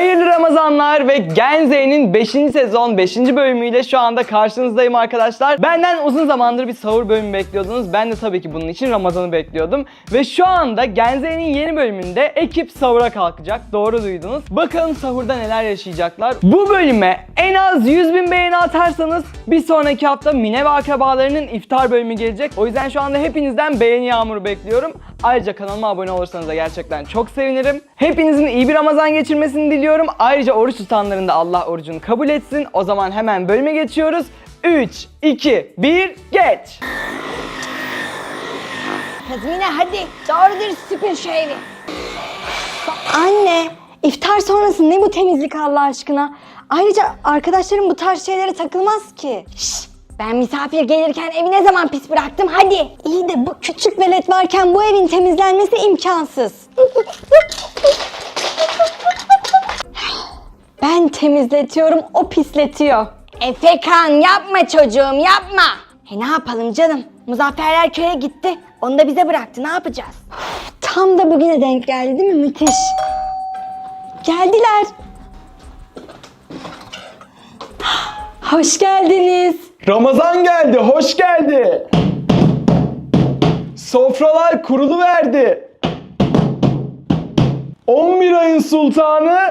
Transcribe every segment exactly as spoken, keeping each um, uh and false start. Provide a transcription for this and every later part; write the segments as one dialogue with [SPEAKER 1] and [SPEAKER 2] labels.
[SPEAKER 1] Hayırlı Ramazanlar ve Gen Z'nin beşinci sezon beşinci bölümüyle şu anda karşınızdayım arkadaşlar. Benden uzun zamandır bir sahur bölümü bekliyordunuz. Ben de tabii ki bunun için Ramazan'ı bekliyordum. Ve şu anda Gen Z'nin yeni bölümünde ekip sahura kalkacak. Doğru duydunuz. Bakalım sahurda neler yaşayacaklar. Bu bölüme en az yüz bin beğeni atarsanız bir sonraki hafta Mine ve akrabalarının iftar bölümü gelecek. O yüzden şu anda hepinizden beğeni yağmuru bekliyorum. Ayrıca kanalıma abone olursanız da gerçekten çok sevinirim. Hepinizin iyi bir Ramazan geçirmesini diliyorum. Ayrıca oruç tutanların da Allah orucunu kabul etsin. O zaman hemen bölüme geçiyoruz. üç, iki, bir, geç!
[SPEAKER 2] Kızım yine hadi doğru dürüst süpür şu evi. Anne, iftar sonrası ne bu temizlik Allah aşkına? Ayrıca arkadaşlarım bu tarz şeylere takılmaz ki. Şşş, ben misafir gelirken evi ne zaman pis bıraktım hadi. İyi de bu küçük velet varken bu evin temizlenmesi imkansız. Ben temizletiyorum, o pisletiyor. Efekan yapma çocuğum yapma. E ne yapalım canım? Muzafferler köye gitti. Onu da bize bıraktı. Ne yapacağız? Tam da bugüne denk geldi değil mi? Müthiş. Geldiler. Hoş geldiniz.
[SPEAKER 1] Ramazan geldi, hoş geldi. Sofralar kuruluverdi. on bir ayın sultanı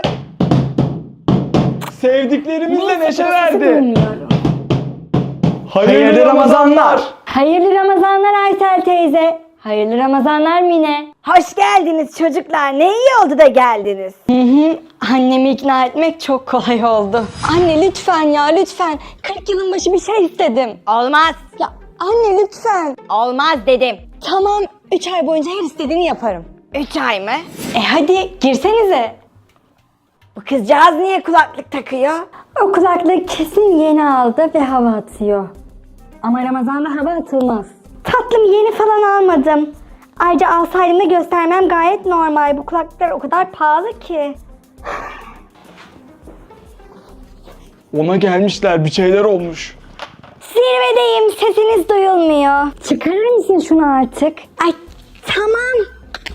[SPEAKER 1] sevdiklerimizle neşe verdi.
[SPEAKER 2] Bilmiyorum.
[SPEAKER 1] Hayırlı, Hayırlı Ramazanlar.
[SPEAKER 2] Hayırlı Ramazanlar Aysel teyze. Hayırlı Ramazanlar Mine. Hoş geldiniz çocuklar. Ne iyi oldu da geldiniz. Hı hı. Annemi ikna etmek çok kolay oldu. Anne lütfen ya lütfen. kırk yılın başı bir şey istedim. Olmaz. Ya anne lütfen. Olmaz dedim. Tamam. üç ay boyunca her istediğini yaparım. üç ay mı? E hadi girsenize. Bu kızcağız niye kulaklık takıyor? O kulaklık kesin yeni aldı ve hava atıyor. Ama Ramazan'da hava atılmaz. Tatlım yeni falan almadım. Ayrıca alsaydım da göstermem gayet normal. Bu kulaklıklar o kadar pahalı ki.
[SPEAKER 1] Ona gelmişler, bir şeyler olmuş.
[SPEAKER 2] Zirvedeyim, sesiniz duyulmuyor. Çıkarır mısın şunu artık? Ay tamam.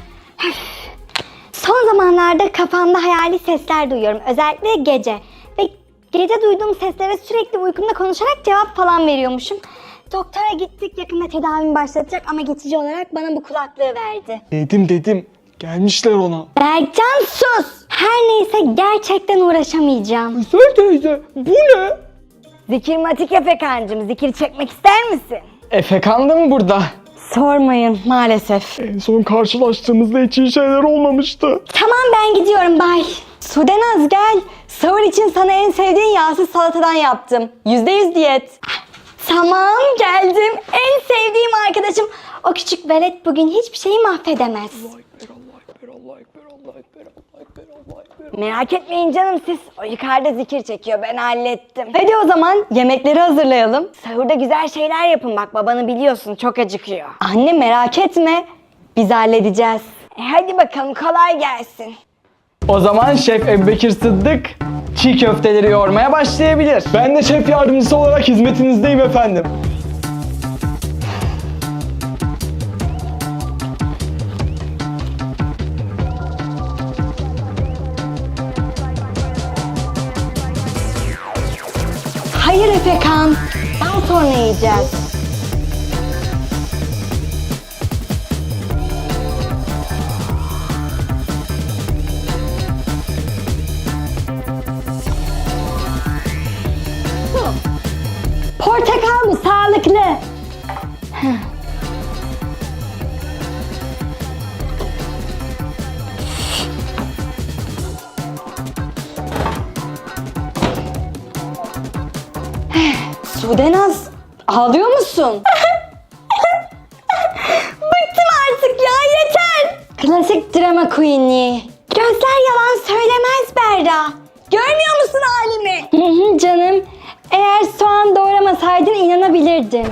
[SPEAKER 2] Son zamanlarda kafamda hayali sesler duyuyorum. Özellikle gece. Ve gece duyduğum seslere sürekli uykumda konuşarak cevap falan veriyormuşum. Doktora gittik, yakında tedavimi başlatacak ama geçici olarak bana bu kulaklığı verdi.
[SPEAKER 1] Dedim dedim, gelmişler ona.
[SPEAKER 2] Berkcan sus! Her neyse gerçekten uğraşamayacağım.
[SPEAKER 1] Güzel teyze, bu ne?
[SPEAKER 2] Zikirmatik Efekancığım, zikir çekmek ister misin?
[SPEAKER 1] Efekan da mı burada?
[SPEAKER 2] Sormayın maalesef.
[SPEAKER 1] En son karşılaştığımızda hiç iyi şeyler olmamıştı.
[SPEAKER 2] Tamam ben gidiyorum bay. Sudenaz gel. Sahur için sana en sevdiğin yağsız salatadan yaptım. Yüzde yüz diyet. Tamam geldim. En sevdiğim arkadaşım. O küçük velet bugün hiçbir şeyi mahvedemez. Merak etmeyin canım siz. O yukarıda zikir çekiyor, ben hallettim. Hadi o zaman yemekleri hazırlayalım. Sahurda güzel şeyler yapın bak, babanı biliyorsun çok acıkıyor. Anne merak etme. Biz halledeceğiz. E hadi bakalım kolay gelsin.
[SPEAKER 1] O zaman Şef Ebubekir Sıddık çiğ köfteleri yoğurmaya başlayabilir. Ben de şef yardımcısı olarak hizmetinizdeyim efendim.
[SPEAKER 2] Hayır Efekan. Daha sonra yiyeceğiz. Portakal mı? Sağlıklı. Sudenaz, ağlıyor musun? Bıktım artık ya, yeter. Klasik drama queen'i. Gözler yalan söylemez Berra. Görmüyor musun halimi? Hı hı canım. Eğer soğan doğramasaydın inanabilirdim.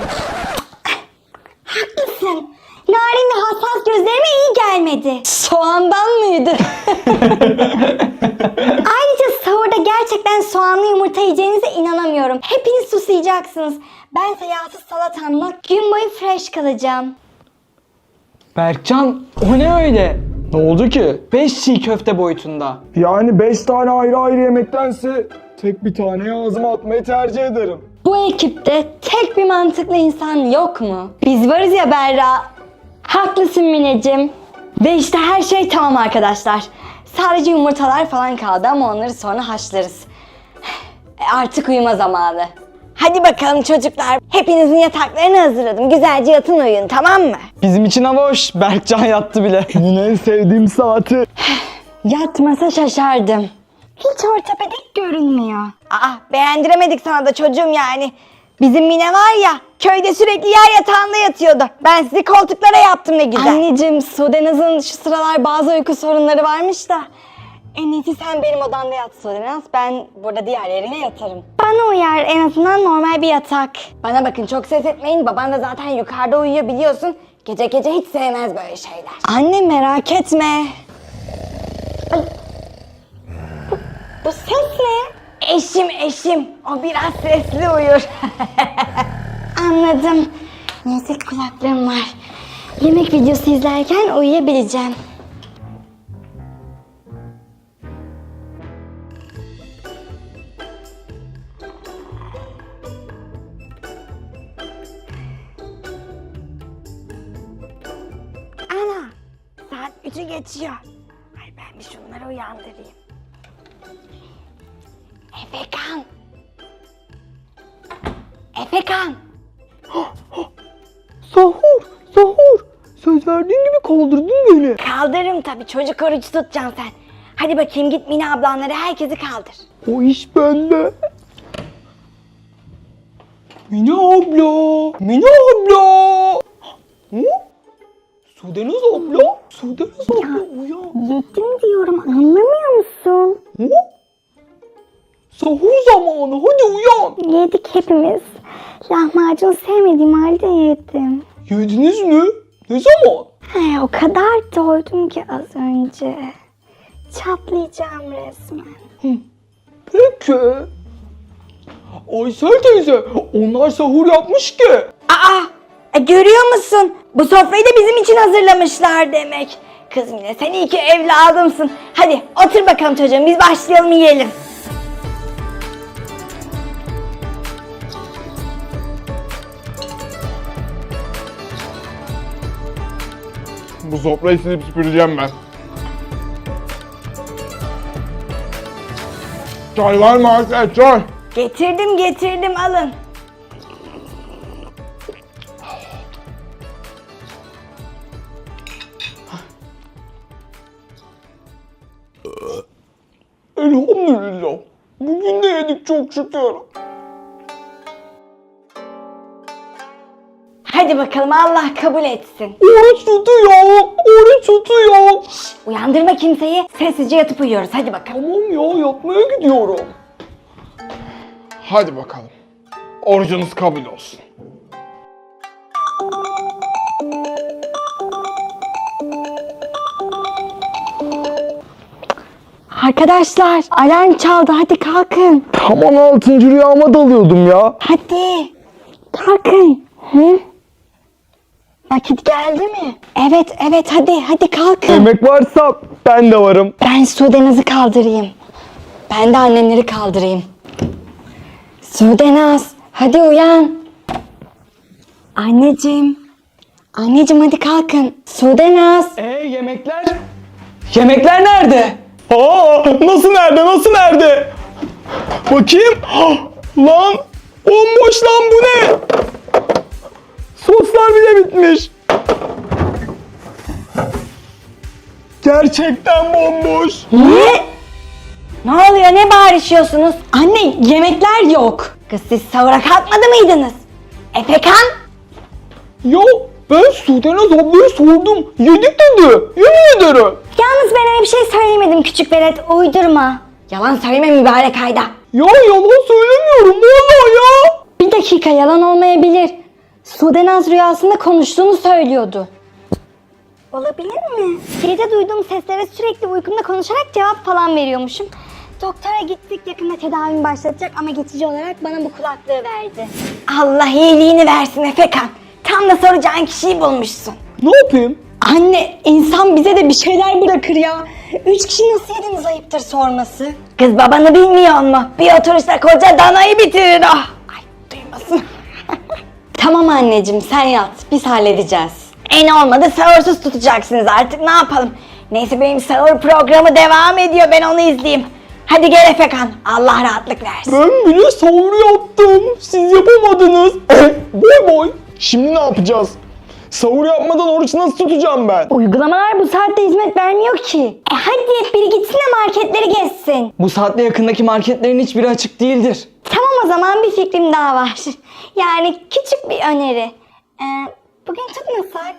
[SPEAKER 2] Haklısın. Narin ve hassas gözlerime iyi gelmedi. Soğandan mıydı? Ayrıca sahurda gerçekten soğanlı yumurta yiyeceğinize inanamıyorum. Hepiniz susayacaksınız. Bense yağsız salatamla gün boyu fresh kalacağım.
[SPEAKER 1] Berkcan, o ne öyle?
[SPEAKER 3] Ne oldu ki?
[SPEAKER 1] beş çiğ köfte boyutunda.
[SPEAKER 3] Yani beş tane ayrı ayrı yemektense tek bir tane ağzıma atmayı tercih ederim.
[SPEAKER 2] Bu ekipte tek bir mantıklı insan yok mu? Biz varız ya Berra. Haklısın Mineciğim. Ve işte her şey tamam arkadaşlar. Sadece yumurtalar falan kaldı ama onları sonra haşlarız. E artık uyuma zamanı. Hadi bakalım çocuklar. Hepinizin yataklarını hazırladım. Güzelce yatın uyuyun, tamam mı?
[SPEAKER 1] Bizim için hava hoş. Berkcan yattı bile.
[SPEAKER 3] Yine en sevdiğim saati.
[SPEAKER 2] Yatmasa şaşardım. Hiç ortopedik görünmüyor. Aa, beğendiremedik sana da çocuğum yani. Bizim Mine var ya, köyde sürekli yer yatağında yatıyordu. Ben sizi koltuklara yaptım ne güzel. Anneciğim, Sudenaz'ın şu sıralar bazı uyku sorunları varmış da. En iyisi sen benim odamda yat Sudenaz. Ben burada diğer yerine yatarım. Bana uyar, en azından normal bir yatak. Bana bakın, çok ses etmeyin. Baban da zaten yukarıda uyuyor biliyorsun. Gece gece hiç sevmez böyle şeyler. Anne merak etme. Ay. Bu, bu ses ne? Eşim eşim. O biraz sesli uyur. Anladım. Neyse kulaklığım var. Yemek videosu izlerken uyuyabileceğim. Ana, saat üçü geçiyor. Ay ben bir şunları uyandırayım. Efekan. Efekan.
[SPEAKER 3] Sahur, sahur. Söz verdiğin gibi kaldırdın beni.
[SPEAKER 2] Kaldırırım tabii, çocuk oruç tutacaksın sen. Hadi bakayım git Mine ablanları, herkesi kaldır.
[SPEAKER 3] O iş bende. Mine abla, Mine abla. Hı? Sudenaz abla, Sudenaz abla uyan.
[SPEAKER 2] Yettim diyorum, anlamıyor musun?
[SPEAKER 3] Hı? Sahur zamanı, hadi uyan.
[SPEAKER 2] Yedik hepimiz. Lahmacun sevmediğim halde yedim.
[SPEAKER 3] Yediniz mi? Ne zaman?
[SPEAKER 2] He, o kadar doydum ki az önce. Çatlayacağım resmen.
[SPEAKER 3] Peki. Aysel teyze, onlar sahur yapmış ki.
[SPEAKER 2] Aa! E, görüyor musun? Bu sofrayı da bizim için hazırlamışlar demek. Kız Mine, sen iyi ki evladımsın. Hadi otur bakalım çocuğum, biz başlayalım yiyelim.
[SPEAKER 3] Bu sofrayı silip süpüreceğim ben. Çay var mı Aysel, çay?
[SPEAKER 2] Getirdim getirdim, alın.
[SPEAKER 3] Elhamdülillah. Bugün de yedik çok şükür.
[SPEAKER 2] Hadi bakalım, Allah kabul etsin.
[SPEAKER 3] Oruç tutuyor, oruç tutuyor.
[SPEAKER 2] Uyandırma kimseyi, sessizce yatıp uyuyoruz. Hadi bakalım.
[SPEAKER 3] Tamam ya, yatmaya gidiyorum. Hadi bakalım. Orucunuz kabul olsun.
[SPEAKER 2] Arkadaşlar, alarm çaldı, hadi kalkın.
[SPEAKER 3] Aman altıncı rüyama dalıyordum ya.
[SPEAKER 2] Hadi, kalkın. Hı? Vakit geldi mi? Evet, evet, hadi, hadi kalkın.
[SPEAKER 3] Yemek varsa ben de varım.
[SPEAKER 2] Ben Sudenaz'ı kaldırayım. Ben de annemleri kaldırayım. Sudenaz, hadi uyan. Anneciğim. Anneciğim hadi kalkın. Sudenaz.
[SPEAKER 1] Ee yemekler? Yemekler nerede?
[SPEAKER 3] Aa, nasıl nerede, nasıl nerede? Bakayım. Ah, lan, bomboş lan, bu ne? Soslar bile bitmiş. Gerçekten bomboş.
[SPEAKER 2] Ne? Ne oluyor, ne bağırışıyorsunuz? Anne, yemekler yok. Kız siz sahura kalkmadı mıydınız? Efekan?
[SPEAKER 3] Ya ben Sudenaz ablaya sordum. Yedik dedi. Yemin ederim.
[SPEAKER 2] Yalnız ben öyle bir şey söylemedim küçük velet, uydurma. Yalan söyleme mübarek ayda.
[SPEAKER 3] Ya yalan söylemiyorum vallahi ya.
[SPEAKER 2] Bir dakika, yalan olmayabilir. Sudenaz rüyasında konuştuğunu söylüyordu. Olabilir mi? Gece duyduğum seslere sürekli uykumda konuşarak cevap falan veriyormuşum. Doktora gittik, yakında tedavimi başlatacak ama geçici olarak bana bu kulaklığı verdi. Allah iyiliğini versin Efekan. Tam da soracağın kişiyi bulmuşsun.
[SPEAKER 3] Ne yapayım?
[SPEAKER 2] Anne, insan bize de bir şeyler bırakır ya. Üç kişi nasıl yediniz ayıptır sorması. Kız babanı bilmiyor mu? Bir oturuşta koca danayı bitirir o. Ay duymasın. Tamam anneciğim sen yat. Biz halledeceğiz. En olmadı sahursuz tutacaksınız artık ne yapalım. Neyse benim sahur programı devam ediyor. Ben onu izleyeyim. Hadi gel Efekan. Allah rahatlık versin.
[SPEAKER 3] Ben bile sahur yaptım. Siz yapamadınız. boy boy. Şimdi ne yapacağız? Sahur yapmadan oruç nasıl tutacağım ben?
[SPEAKER 2] Uygulamalar bu saatte hizmet vermiyor ki. E hadi biri gitsin de marketleri gezsin.
[SPEAKER 1] Bu saatte yakındaki marketlerin hiçbiri açık değildir.
[SPEAKER 2] Tamam o zaman bir fikrim daha var. Yani küçük bir öneri. Ee, bugün tutmasak?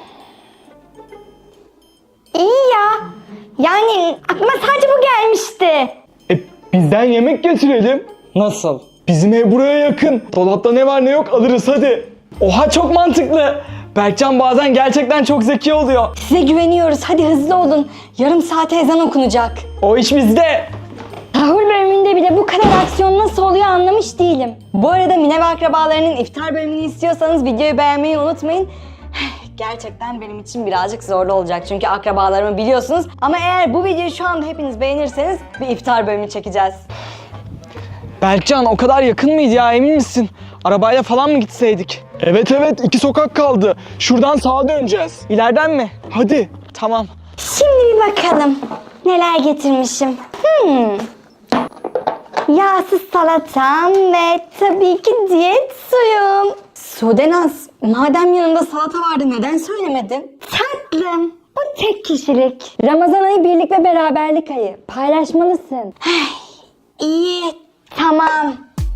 [SPEAKER 2] İyi ya. Yani aklıma sadece bu gelmişti.
[SPEAKER 3] E, bizden yemek getirelim.
[SPEAKER 1] Nasıl?
[SPEAKER 3] Bizim ev buraya yakın. Dolapta ne var ne yok alırız hadi.
[SPEAKER 1] Oha çok mantıklı. Berkcan bazen gerçekten çok zeki oluyor.
[SPEAKER 2] Size güveniyoruz. Hadi hızlı olun. Yarım saate ezan okunacak.
[SPEAKER 1] O iş bizde.
[SPEAKER 2] Sahur bölümünde bile bu kadar aksiyon nasıl oluyor anlamış değilim. Bu arada Mine ve akrabalarının iftar bölümünü istiyorsanız videoyu beğenmeyi unutmayın. Gerçekten benim için birazcık zorlu olacak çünkü akrabalarımı biliyorsunuz. Ama eğer bu videoyu şu anda hepiniz beğenirseniz bir iftar bölümü çekeceğiz.
[SPEAKER 1] Berkcan o kadar yakın mıydı ya, emin misin? Arabayla falan mı gitseydik?
[SPEAKER 3] Evet evet iki sokak kaldı. Şuradan sağa döneceğiz.
[SPEAKER 1] İleriden mi?
[SPEAKER 3] Hadi.
[SPEAKER 1] Tamam.
[SPEAKER 2] Şimdi bir bakalım neler getirmişim. Hmm. Yağsız salatam ve tabii ki diyet suyum. Sudenaz, madem yanında salata vardı neden söylemedin? Tatlım, bu tek kişilik. Ramazan ayı birlik ve beraberlik ayı. Paylaşmalısın. İyi, tamam.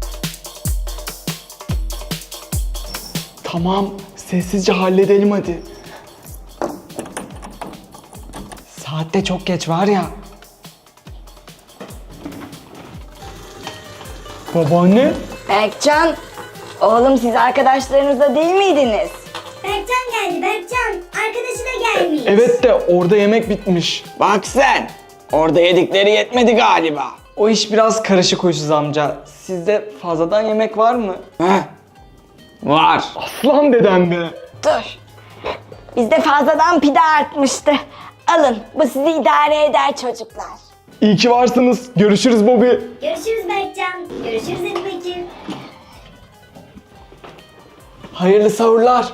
[SPEAKER 3] Tamam sessizce halledelim hadi.
[SPEAKER 1] Saatte çok geç var ya.
[SPEAKER 3] Babaanne?
[SPEAKER 2] Berkcan, oğlum siz arkadaşlarınızla değil miydiniz?
[SPEAKER 4] Berkcan geldi Berkcan. Arkadaşı da gelmiş.
[SPEAKER 3] Evet de orada yemek bitmiş.
[SPEAKER 1] Bak sen. Orada yedikleri yetmedi galiba. O iş biraz karışık huysuz amca. Sizde fazladan yemek var mı? Heh. Var.
[SPEAKER 3] Aslan dedem be.
[SPEAKER 2] Dur. Bizde fazladan pide artmıştı. Alın, bu sizi idare eder çocuklar.
[SPEAKER 3] İyi ki varsınız. Görüşürüz Bobby.
[SPEAKER 4] Görüşürüz Berkcan. Görüşürüz Ebu Bekir.
[SPEAKER 1] Hayırlı sahurlar.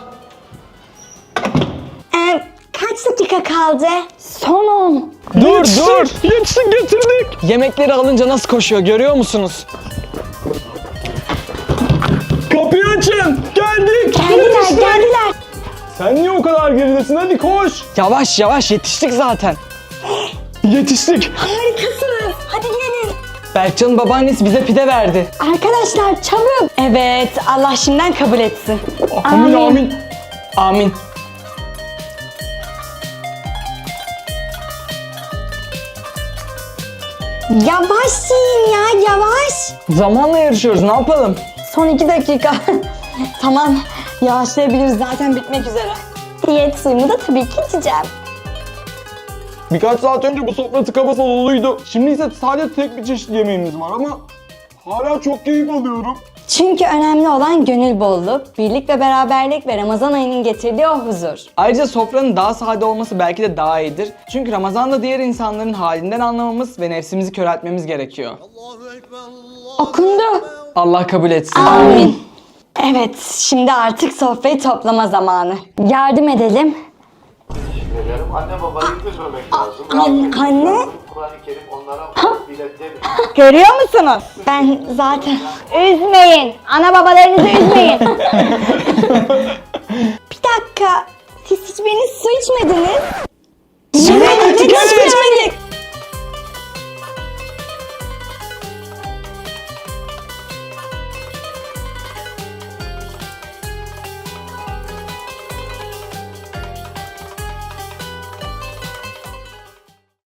[SPEAKER 2] Ee, kaç dakika kaldı? Son on.
[SPEAKER 1] Dur
[SPEAKER 3] Yetişsin,
[SPEAKER 1] dur.
[SPEAKER 3] Yetişsin getirdik.
[SPEAKER 1] Yemekleri alınca nasıl koşuyor görüyor musunuz?
[SPEAKER 3] Kapıyı açın. Geldik.
[SPEAKER 2] Geldiler,
[SPEAKER 3] Yetiştik.
[SPEAKER 2] geldiler.
[SPEAKER 3] Sen niye o kadar geridesin? Hadi koş.
[SPEAKER 1] Yavaş yavaş yetiştik zaten.
[SPEAKER 3] Yetiştik.
[SPEAKER 2] Harikasınız. Hadi gelin.
[SPEAKER 1] Berkcan'ın babaannesi bize pide verdi.
[SPEAKER 2] Arkadaşlar çabuk. Evet, Allah şimdiden kabul etsin.
[SPEAKER 3] Amin amin.
[SPEAKER 1] Amin.
[SPEAKER 2] Yavaş yiyin ya, yavaş.
[SPEAKER 1] Zamanla yarışıyoruz, ne yapalım?
[SPEAKER 2] Son iki dakika. Tamam, yavaşlayabiliriz zaten bitmek üzere. Diyet suyumu da tabii ki içeceğim.
[SPEAKER 3] Birkaç saat önce bu sofra tıka basa doluydu. Şimdi ise sadece tek bir çeşit yemeğimiz var ama hala çok keyif alıyorum.
[SPEAKER 2] Çünkü önemli olan gönül bolluğu, birlik ve beraberlik ve Ramazan ayının getirdiği o huzur.
[SPEAKER 1] Ayrıca sofranın daha sade olması belki de daha iyidir. Çünkü Ramazan'da diğer insanların halinden anlamamız ve nefsimizi köreltmemiz gerekiyor.
[SPEAKER 2] Okundu.
[SPEAKER 1] Allah kabul etsin.
[SPEAKER 2] Amin. Evet, şimdi artık sofrayı toplama zamanı. Yardım edelim.
[SPEAKER 5] Ederim. Anne babayı üzmemek lazım.
[SPEAKER 2] An- anne?
[SPEAKER 5] Kur'an-ı Kerim onlara biletleri.
[SPEAKER 2] Görüyor musunuz? Ben zaten... Üzmeyin. Ana babalarınızı üzmeyin. Bir dakika. Siz hiçbiriniz su içmediniz.
[SPEAKER 3] Evet,
[SPEAKER 2] hiçbiriniz